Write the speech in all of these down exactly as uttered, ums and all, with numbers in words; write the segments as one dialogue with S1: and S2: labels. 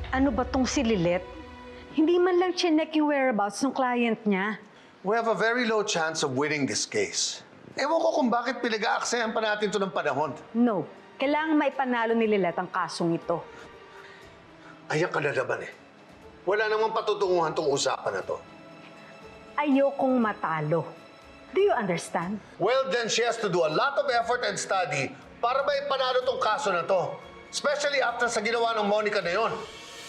S1: Ano ba tong si Lilet? Hindi man lang chinek yung whereabouts ng client niya.
S2: We have a very low chance of winning this case. Ewan ko kung bakit pinag-aaksayan pa natin ito ng panahon.
S1: No. Kailangan maipanalo ni Lilet ang kasong ito.
S2: Ayan ka na naman eh. Wala namang patutunguhan tong usapan na to.
S1: Ayokong matalo. Do you understand?
S2: Well, then she has to do a lot of effort and study para maipanalo tong kaso na to. Especially after sa ginawa ng Monica na yon.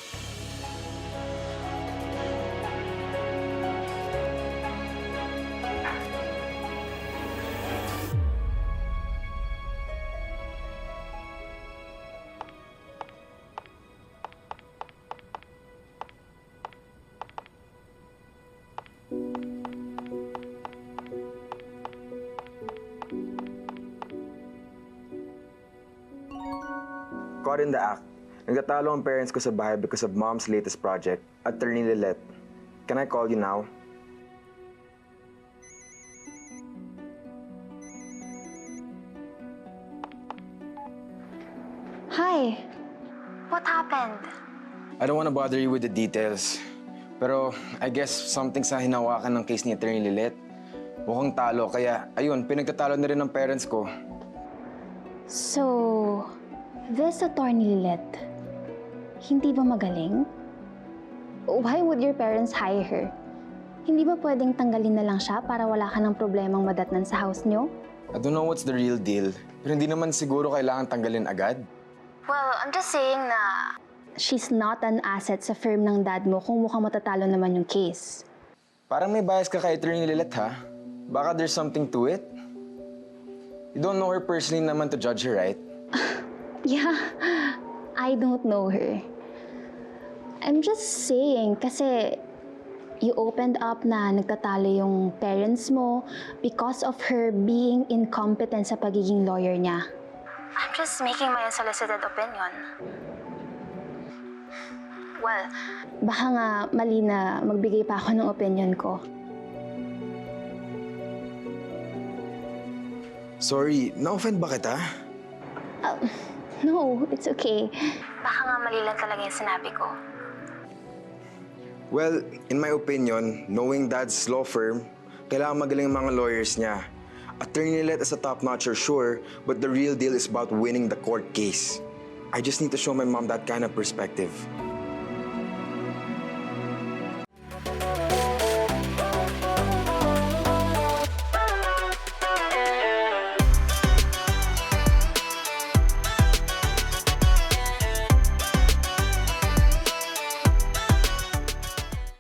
S3: Caught in the act. Nagtatalo ang parents ko sa bahay because of mom's latest project, Attorney Lilet. Can I call you now?
S4: Hi. What happened?
S3: I don't want to bother you with the details. Pero I guess something sa hinawakan ng case ni Attorney Lilet. Mukhang talo, kaya ayun, pinagtatalo na rin ng parents ko.
S4: So, this attorney Lilet, hindi ba magaling? Why would your parents hire her? Hindi ba pwedeng tanggalin na lang siya para wala ka ng problemang madatnan sa house niyo?
S3: I don't know what's the real deal, pero hindi naman siguro kailangan tanggalin agad.
S4: Well, I'm just saying na she's not an asset sa firm ng dad mo kung mukhang matatalo naman yung case.
S3: Parang may bias ka kay Attorney Lilet, ha? Baka there's something to it? You don't know her personally naman to judge her, right?
S4: Yeah, I don't know her. I'm just saying kasi you opened up na nagtatalo yung parents mo because of her being incompetent sa pagiging lawyer niya. I'm just making my unsolicited opinion. Well, baka nga mali na magbigay pa ako ng opinion ko.
S3: Sorry, na-offend ba kita?
S4: Uh, no, it's okay. Baka nga mali lang talaga yung sinabi ko.
S3: Well, in my opinion, knowing Dad's law firm, kailangan magaling ang mga lawyers niya. Attorney Lilet is a top-notcher, sure, but the real deal is about winning the court case. I just need to show my mom that kind of perspective.